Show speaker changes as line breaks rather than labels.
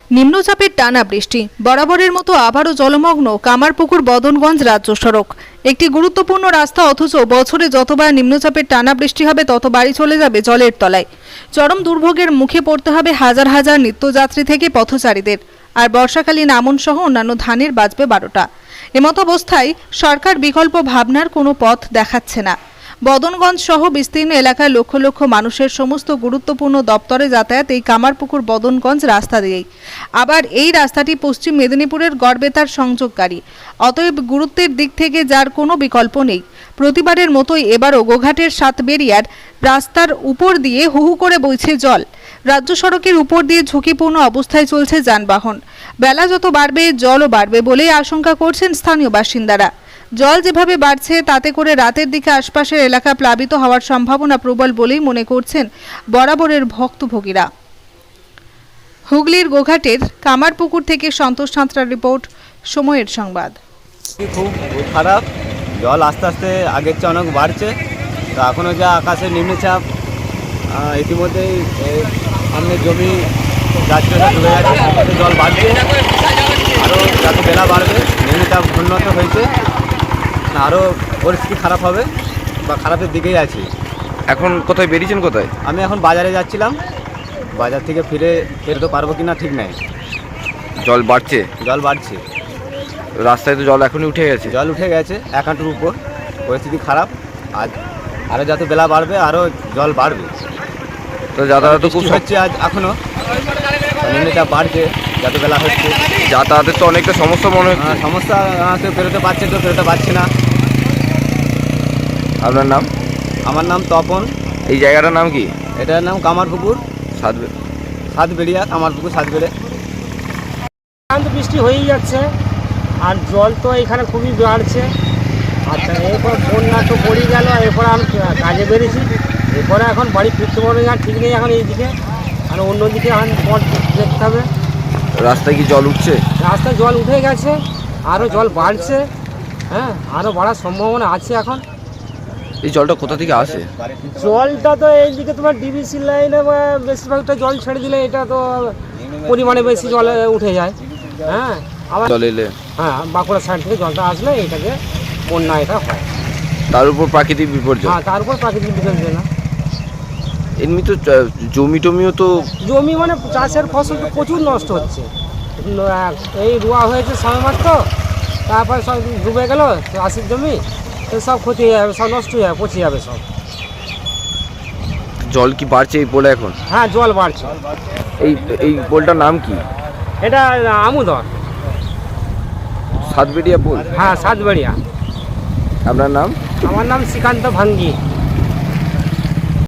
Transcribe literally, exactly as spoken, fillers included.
নিম্নচাপের টানা বৃষ্টি বরাবরের মতো আবারও জলমগ্ন কামারপুকুর বদনগঞ্জ রাজ্য সড়ক। একটি গুরুত্বপূর্ণ রাস্তা, অথচ বছরে যতবার নিম্নচাপের টানা বৃষ্টি হবে ততবারই চলে যাবে জলের তলায়। চরম দুর্ভোগের মুখে পড়তে হবে হাজার হাজার নিত্যযাত্রী থেকে পথচারীদের। আর বর্ষাকালীন আমন সহ অন্যান্য ধানের বাজবে বারোটা। এমত অবস্থায় সরকার বিকল্প ভাবনার কোনো পথ দেখাচ্ছে না। বদনগঞ্জ সহ বিস্তীর্ণ এলাকার লক্ষ লক্ষ মানুষের সমস্ত গুরুত্বপূর্ণ দপ্তরে যাতায়াত এই কামারপুকুর বদনগঞ্জ রাস্তা দিয়েই। আবার এই রাস্তাটি পশ্চিম মেদিনীপুরের গড়বেতার সংযোগকারী, অতএব গুরুত্বের দিক থেকে যার কোনো বিকল্প নেই। প্রতিবারের মতোই এবারও গোঘাটের সাতবেরিয়ার রাস্তার উপর দিয়ে হু হু করে বইছে জল। রাজ্য সড়কের উপর দিয়ে ঝুঁকিপূর্ণ অবস্থায় চলছে যানবাহন। বেলা যত বাড়বে জলও বাড়বে বলেই আশঙ্কা করছেন স্থানীয় বাসিন্দারা। জল যেভাবে বাড়ছে তাতে করে রাতের দিকে আশপাশের এলাকা প্লাবিত হওয়ার সম্ভাবনা প্রবল বলেই মনে করছেন বরাবরের ভক্তভোগীরা। হুগলির গোঘাটের কামারপুকুর থেকে সন্তোষ সাঁতরার রিপোর্ট, সময়ের সংবাদ।
খুব খারাপ, জল আস্তে আস্তে আগের চেয়ে অনেক বাড়ছে। তো এখনও যা আকাশের নিম্নচাপ, ইতিমধ্যেই সামনে জমি যাচ্ছে চলে যাচ্ছে, জল বাড়ছে, আরও যত বেলা বাড়বে নিম্নচাপ উন্নত হয়েছে, আরও পরিস্থিতি খারাপ হবে বা খারাপের দিকেই আছি।
এখন কোথায় বেরিয়েছেন? কোথায়?
আমি এখন বাজারে যাচ্ছিলাম, বাজার থেকে ফিরে ফেরতে পারবো কি না ঠিক নাই।
জল বাড়ছে?
জল বাড়ছে,
রাস্তায় তো জল এখনই উঠে গেছে।
জল উঠে গেছে এক হাঁটুর উপর, পরিস্থিতি খারাপ। আজ আরও যত বেলা বাড়বে আরও জল বাড়বে।
তো যাতায়াত খুব
হচ্ছে আজ, এখনও নিম্নচাপ বাড়ছে, যত বেলা হচ্ছে
যাতায়াতের তো অনেকটা সমস্যা মনে হচ্ছে।
সমস্যা, কেউ বেরোতে পারছে, কেউ বেরোতে পারছে না।
আপনার নাম?
আমার নাম তপন।
এই জায়গাটার নাম কি?
এটার নাম কামারপুকুর
সাতবে
সাতবেড়িয়া কামারপুকুর সাতবেড়ে।
তো বৃষ্টি হয়েই যাচ্ছে, আর জল তো এখানে খুবই বাড়ছে। আচ্ছা, এরপর বন্যা তো পড়ে গেল, এরপর আমি কাজে বেরিয়েছি, এরপরে এখন বাড়ি ফিরতে পারবে না, ঠিক নেই এখন এইদিকে, আর অন্যদিকে এখন পথ দেখতে হবে।
রাস্তায় কি জল উঠছে?
রাস্তায় জল উঠে গেছে, আরও জল বাড়ছে, হ্যাঁ আরও বাড়ার সম্ভাবনা আছে এখন।
এই জলটা কোথা থেকে আসে?
জলটা তো এইদিকে তোমার ডিবিসি লাইনে বেশিরভাগটা জল ছেড়ে দিলে এটা তো পরিমাণে বেশি জল উঠে যায়। হ্যাঁ, আবার
জল এলে
হ্যাঁ বাঁকুড়া সাইড থেকে জলটা আসলে এটাকে বন্যা এটা হয়।
তার উপর প্রাকৃতিক বিপর্যয়।
হ্যাঁ, তার উপর প্রাকৃতিক বিপর্যয় না।
এমনি তো জমি টমিও তো,
জমি মানে চাষের ফসল তো প্রচুর নষ্ট হচ্ছে। এই রোয়া হয়েছে সময় মাত্র, তারপরে সব ডুবে গেল চাষের জমি, তো সব ক্ষতি হয়ে যাবে, সব নষ্ট হয়ে যাবে, পচে যাবে সব।
জল কি বাড়ছে এই পোলে এখন?
হ্যাঁ, জল বাড়ছে।
এই এই পোলটার নাম কি?
এটা আমুদর
সাতবেড়িয়া পোল?
হ্যাঁ, সাতবেড়িয়া।
আপনার নাম?
আমার নাম শ্রীকান্ত ভাঙ্গি।